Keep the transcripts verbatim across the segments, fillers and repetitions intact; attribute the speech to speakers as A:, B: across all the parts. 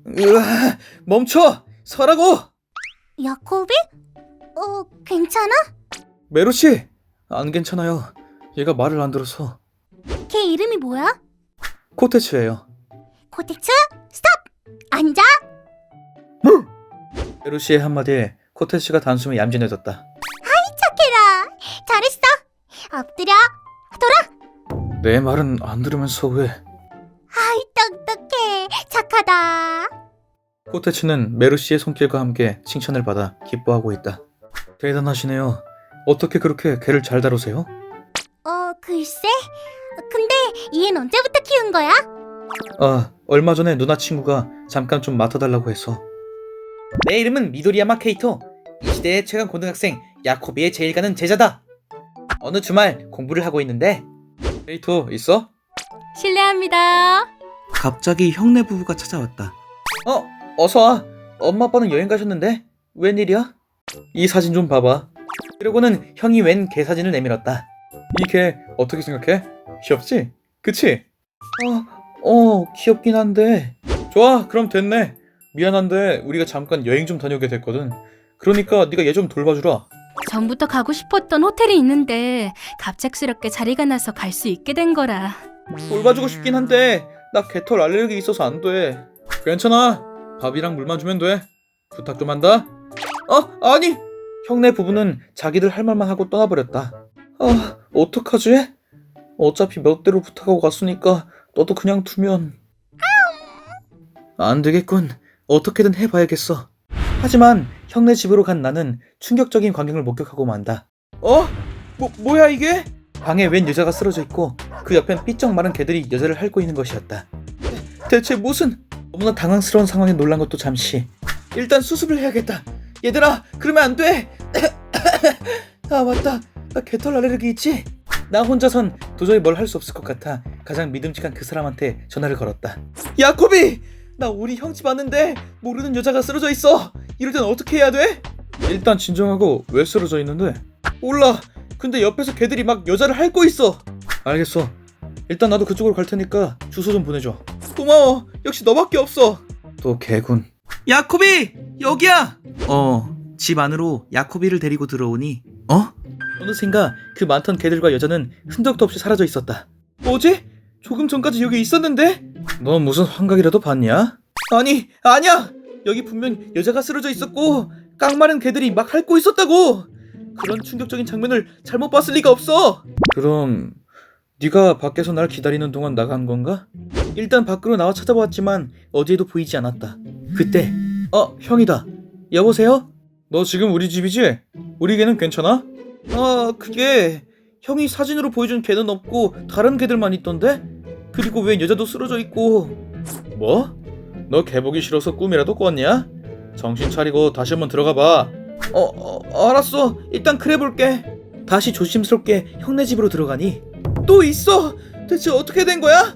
A: 으아, 멈춰! 서라고!
B: 야코비? 어, 괜찮아?
A: 메로씨! 안 괜찮아요. 얘가 말을 안 들어서.
B: 걔 이름이 뭐야?
A: 코테츠예요.
B: 코텍스? 스톱! 앉아!
A: 메로씨의 한마디에 코테츠가 단숨에 얌전해졌다.
B: 착해라! 잘했어! 엎드려! 돌아!
A: 내 말은 안 들으면서 왜?
B: 아이, 똑똑해! 착하다!
A: 코테츠는 메루시의 손길과 함께 칭찬을 받아 기뻐하고 있다. 대단하시네요. 어떻게 그렇게 개를 잘 다루세요?
B: 어, 글쎄? 근데 얘는 언제부터 키운 거야?
A: 아, 얼마 전에 누나 친구가 잠깐 좀 맡아달라고 해서. 내 이름은 미도리야마 케이토. 이 시대의 최강 고등학생 야코비의 제일 가는 제자다. 어느 주말 공부를 하고 있는데. 케이토 있어?
C: 실례합니다.
A: 갑자기 형네 부부가 찾아왔다. 어, 어서 와. 엄마 아빠는 여행 가셨는데 웬일이야? 이 사진 좀 봐봐. 그러고는 형이 웬 개 사진을 내밀었다. 이 개 어떻게 생각해? 귀엽지? 그치? 어, 어 귀엽긴 한데. 좋아, 그럼 됐네. 미안한데 우리가 잠깐 여행 좀 다녀오게 됐거든. 그러니까 네가 얘 좀 돌봐주라.
C: 전부터 가고 싶었던 호텔이 있는데 갑작스럽게 자리가 나서 갈 수 있게 된 거라.
A: 돌봐주고 싶긴 한데 나 개털 알레르기 있어서 안 돼. 괜찮아. 밥이랑 물만 주면 돼. 부탁 좀 한다. 어? 아니! 형네 부부는 자기들 할 말만 하고 떠나버렸다. 아, 어떡하지? 어차피 몇 대로 부탁하고 갔으니까 너도 그냥 두면... 안 되겠군. 어떻게든 해봐야겠어. 하지만 형네 집으로 간 나는 충격적인 광경을 목격하고 만다. 어? 뭐, 뭐야 이게? 방에 웬 여자가 쓰러져 있고 그 옆엔 삐쩍 마른 개들이 여자를 핥고 있는 것이었다. 대, 대체 무슨... 너무나 당황스러운 상황에 놀란 것도 잠시. 일단 수습을 해야겠다. 얘들아, 그러면 안 돼. 아 맞다, 나 개털 알레르기 있지? 나 혼자선 도저히 뭘 할 수 없을 것 같아 가장 믿음직한 그 사람한테 전화를 걸었다. 야코비! 나 우리 형 집 왔는데 모르는 여자가 쓰러져 있어. 이럴 땐 어떻게 해야 돼? 일단 진정하고. 왜 쓰러져 있는데? 몰라. 근데 옆에서 개들이 막 여자를 핥고 있어. 알겠어. 일단 나도 그쪽으로 갈 테니까 주소 좀 보내줘. 고마워. 역시 너밖에 없어. 또 개군. 야코비! 여기야! 어, 집 안으로 야코비를 데리고 들어오니 어? 어느샌가 그 많던 개들과 여자는 흔적도 없이 사라져 있었다. 뭐지? 조금 전까지 여기 있었는데? 너 무슨 환각이라도 봤냐? 아니, 아니야! 여기 분명 여자가 쓰러져 있었고 깡마른 개들이 막 핥고 있었다고! 그런 충격적인 장면을 잘못 봤을 리가 없어! 그럼 네가 밖에서 날 기다리는 동안 나간 건가? 일단 밖으로 나와 찾아보았지만 어디에도 보이지 않았다. 그때 어, 형이다. 여보세요? 너 지금 우리 집이지? 우리 개는 괜찮아? 아, 그게 형이 사진으로 보여준 개는 없고 다른 개들만 있던데? 그리고 웬 여자도 쓰러져 있고. 뭐? 너 개 보기 싫어서 꿈이라도 꿨냐? 정신 차리고 다시 한번 들어가 봐. 어, 어, 알았어. 일단 그래 볼게. 다시 조심스럽게 형네 집으로 들어가니 또 있어. 대체 어떻게 된 거야?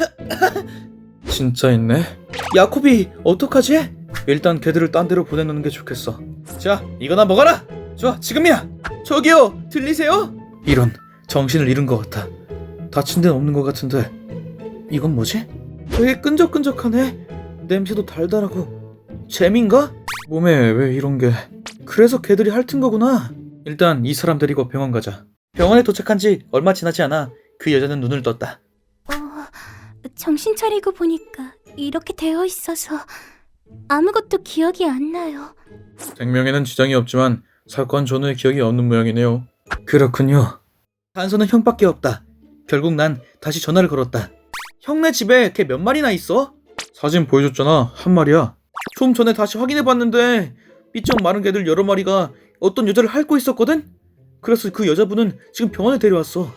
A: 진짜 있네. 야코비, 어떡하지? 일단 걔들을 딴 데로 보내놓는 게 좋겠어. 자, 이거나 먹어라. 좋아, 지금이야. 저기요, 들리세요? 이런, 정신을 잃은 것 같아. 다친 데는 없는 것 같은데 이건 뭐지? 되게 끈적끈적하네. 냄새도 달달하고. 잼인가? 몸에 왜 이런 게... 그래서 걔들이 핥은 거구나. 일단 이 사람 데리고 병원 가자. 병원에 도착한 지 얼마 지나지 않아 그 여자는 눈을 떴다.
B: 어, 정신 차리고 보니까 이렇게 되어 있어서 아무것도 기억이 안 나요.
A: 생명에는 지장이 없지만 사건 전후의 기억이 없는 모양이네요. 그렇군요. 단서는 형밖에 없다. 결국 난 다시 전화를 걸었다. 형네 집에 개 몇 마리나 있어? 사진 보여줬잖아. 한 마리야. 좀 전에 다시 확인해봤는데 삐쩍 마른 개들 여러 마리가 어떤 여자를 핥고 있었거든? 그래서 그 여자분은 지금 병원에 데려왔어.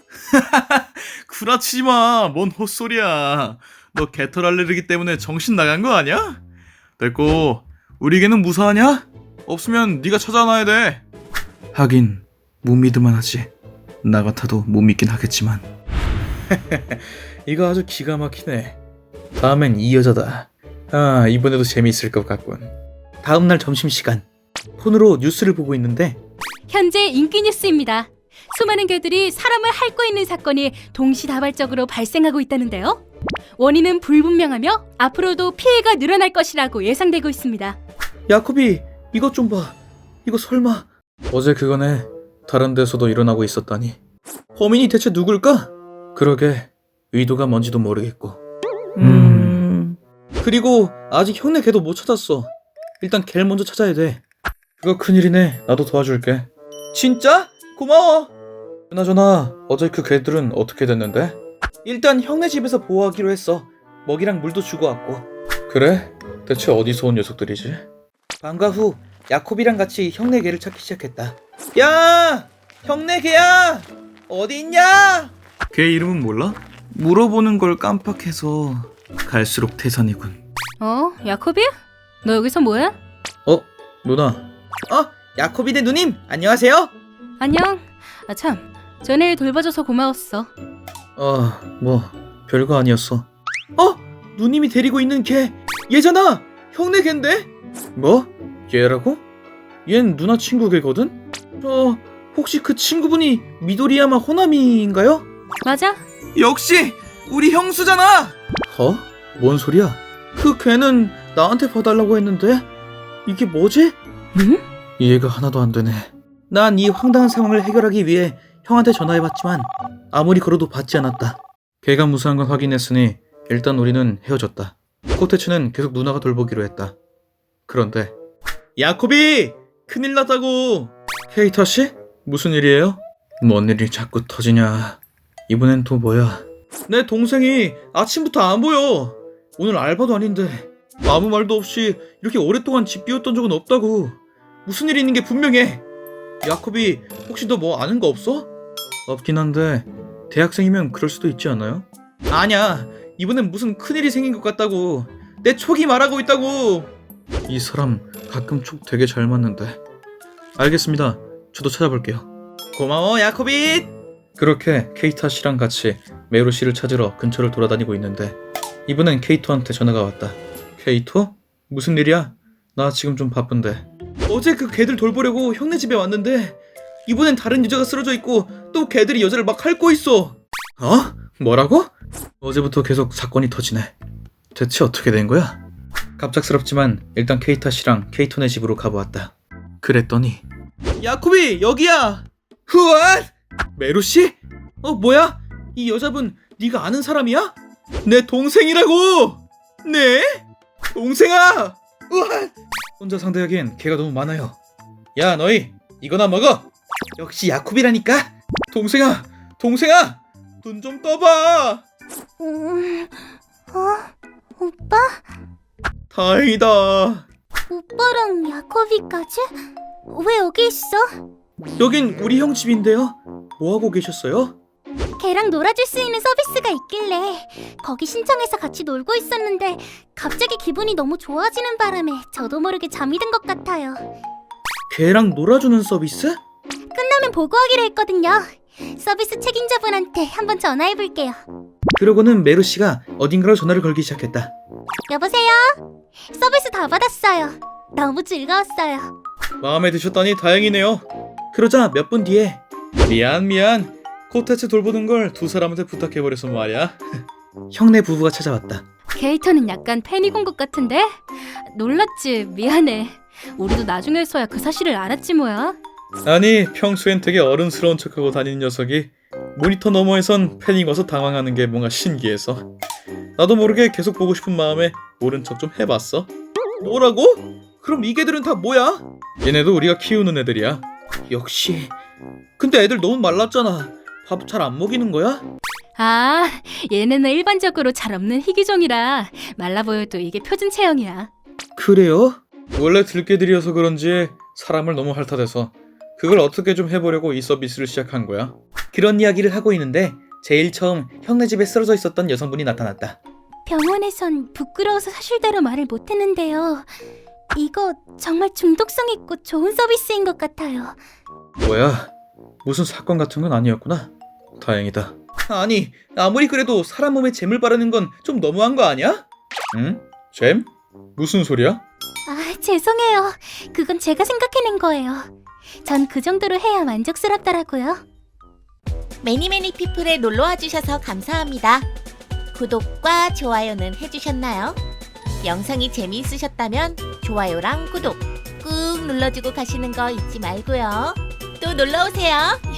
D: 구라치지마. 뭔 헛소리야. 너 개털 알레르기 때문에 정신 나간 거 아니야? 됐고, 우리 개는 무사하냐? 없으면 네가 찾아놔야 돼.
A: 하긴 못 믿을만 하지. 나 같아도 못 믿긴 하겠지만. 이거 아주 기가 막히네. 다음엔 이 여자다. 아, 이번에도 재미있을 것 같군. 다음날 점심시간, 폰으로 뉴스를 보고 있는데
C: 현재 인기 뉴스입니다. 수많은 개들이 사람을 핥고 있는 사건이 동시다발적으로 발생하고 있다는데요. 원인은 불분명하며 앞으로도 피해가 늘어날 것이라고 예상되고 있습니다.
A: 야코비, 이것 좀 봐. 이거 설마 어제 그거네. 다른 데서도 일어나고 있었다니. 범인이 대체 누굴까? 그러게, 의도가 뭔지도 모르겠고. 음... 그리고 아직 형네 걔도 못 찾았어. 일단 걔를 먼저 찾아야 돼. 그거 큰일이네. 나도 도와줄게. 진짜? 고마워. 그나저나 어제 그 개들은 어떻게 됐는데? 일단 형네 집에서 보호하기로 했어. 먹이랑 물도 주고 왔고. 그래? 대체 어디서 온 녀석들이지? 방과 후 야콥이랑 같이 형네 개를 찾기 시작했다. 야! 형네 개야! 어디 있냐?
D: 걔 이름은 몰라? 물어보는 걸 깜빡해서 갈수록 태산이군.
C: 어? 야코비? 너 여기서 뭐해?
A: 어? 누나. 어? 야코비네 누님! 안녕하세요?
C: 안녕. 아 참, 전에 돌봐줘서 고마웠어.
A: 아, 뭐 별거 아니었어. 어? 누님이 데리고 있는 걔 얘잖아! 형네 걔인데? 뭐? 얘라고? 얜 누나 친구 걔거든? 저 혹시 그 친구분이 미도리야마 호나미인가요?
C: 맞아?
A: 역시 우리 형수잖아! 어? 뭔 소리야? 그 걔는 나한테 봐달라고 했는데 이게 뭐지?
C: 응?
A: 이해가 하나도 안 되네. 난 이 황당한 상황을 해결하기 위해 형한테 전화해봤지만 아무리 걸어도 받지 않았다. 걔가 무사한 건 확인했으니 일단 우리는 헤어졌다. 코테츠는 계속 누나가 돌보기로 했다. 그런데 야코비! 큰일 났다고! 케이타 씨? 무슨 일이에요? 뭔 일이 자꾸 터지냐. 이번엔 또 뭐야? 내 동생이 아침부터 안 보여. 오늘 알바도 아닌데 아무 말도 없이 이렇게 오랫동안 집 비웠던 적은 없다고. 무슨 일이 있는 게 분명해. 야코비, 혹시 너 뭐 아는 거 없어? 없긴 한데 대학생이면 그럴 수도 있지 않아요? 아니야, 이번엔 무슨 큰일이 생긴 것 같다고. 내 촉이 말하고 있다고. 이 사람 가끔 촉 되게 잘 맞는데. 알겠습니다. 저도 찾아볼게요. 고마워 야코비. 그렇게 케이타 씨랑 같이 메루 씨를 찾으러 근처를 돌아다니고 있는데 이번엔 케이토한테 전화가 왔다. 케이토? 무슨 일이야? 나 지금 좀 바쁜데. 어제 그 개들 돌보려고 형네 집에 왔는데 이번엔 다른 여자가 쓰러져 있고 또 개들이 여자를 막 핥고 있어. 어? 뭐라고? 어제부터 계속 사건이 터지네. 대체 어떻게 된 거야? 갑작스럽지만 일단 케이타 씨랑 케이토네 집으로 가보았다. 그랬더니 야코비, 여기야. 후안! 메루 씨? 어, 뭐야? 이 여자분 네가 아는 사람이야? 내 동생이라고. 네? 동생아! 우와! 혼자 상대하기엔 개가 너무 많아요. 야, 너희 이거나 먹어. 역시 야콥이라니까. 동생아, 동생아, 눈 좀 떠봐.
B: 음... 어? 오빠?
A: 다행이다.
B: 오빠랑 야코비까지? 왜 여기 있어?
A: 여긴 우리 형 집인데요. 뭐 하고 계셨어요?
B: 걔랑 놀아줄 수 있는 서비스가 있길래 거기 신청해서 같이 놀고 있었는데 갑자기 기분이 너무 좋아지는 바람에 저도 모르게 잠이 든 것 같아요.
A: 걔랑 놀아주는 서비스?
B: 끝나면 보고하기로 했거든요. 서비스 책임자분한테 한번 전화해볼게요.
A: 그러고는 메루 씨가 어딘가로 전화를 걸기 시작했다.
B: 여보세요? 서비스 다 받았어요. 너무 즐거웠어요.
A: 마음에 드셨다니 다행이네요. 그러자 몇 분 뒤에 미안 미안 코테츠 돌보는 걸 두 사람한테 부탁해버려서 말이야. 형네 부부가 찾아왔다.
C: 케이터는 약간 팬이 군 것 같은데? 놀랐지. 미안해. 우리도 나중에서야 그 사실을 알았지 뭐야.
A: 아니, 평소엔 되게 어른스러운 척하고 다니는 녀석이 모니터 너머에선 팬이 와서 당황하는 게 뭔가 신기해서 나도 모르게 계속 보고 싶은 마음에 모른 척 좀 해봤어. 뭐라고? 그럼 이 개들은 다 뭐야? 얘네도 우리가 키우는 애들이야. 역시. 근데 애들 너무 말랐잖아. 밥 잘 안 먹이는 거야?
C: 아, 얘네는 일반적으로 잘 없는 희귀종이라 말라 보여도 이게 표준 체형이야.
A: 그래요? 원래 들개들이어서 그런지 사람을 너무 핥아대서 그걸 어떻게 좀 해보려고 이 서비스를 시작한 거야. 그런 이야기를 하고 있는데 제일 처음 형네 집에 쓰러져 있었던 여성분이 나타났다.
B: 병원에선 부끄러워서 사실대로 말을 못했는데요. 이거 정말 중독성 있고 좋은 서비스인 것 같아요.
A: 뭐야? 무슨 사건 같은 건 아니었구나. 다행이다. 아니, 아무리 그래도 사람 몸에 잼을 바르는 건 좀 너무한 거 아니야? 응? 잼? 무슨 소리야?
B: 아, 죄송해요. 그건 제가 생각해낸 거예요. 전 그 정도로 해야 만족스럽더라고요.
E: 매니매니 피플에 놀러와 주셔서 감사합니다. 구독과 좋아요는 해주셨나요? 영상이 재미있으셨다면 좋아요랑 구독 꾹 눌러주고 가시는 거 잊지 말고요. 또 놀러오세요.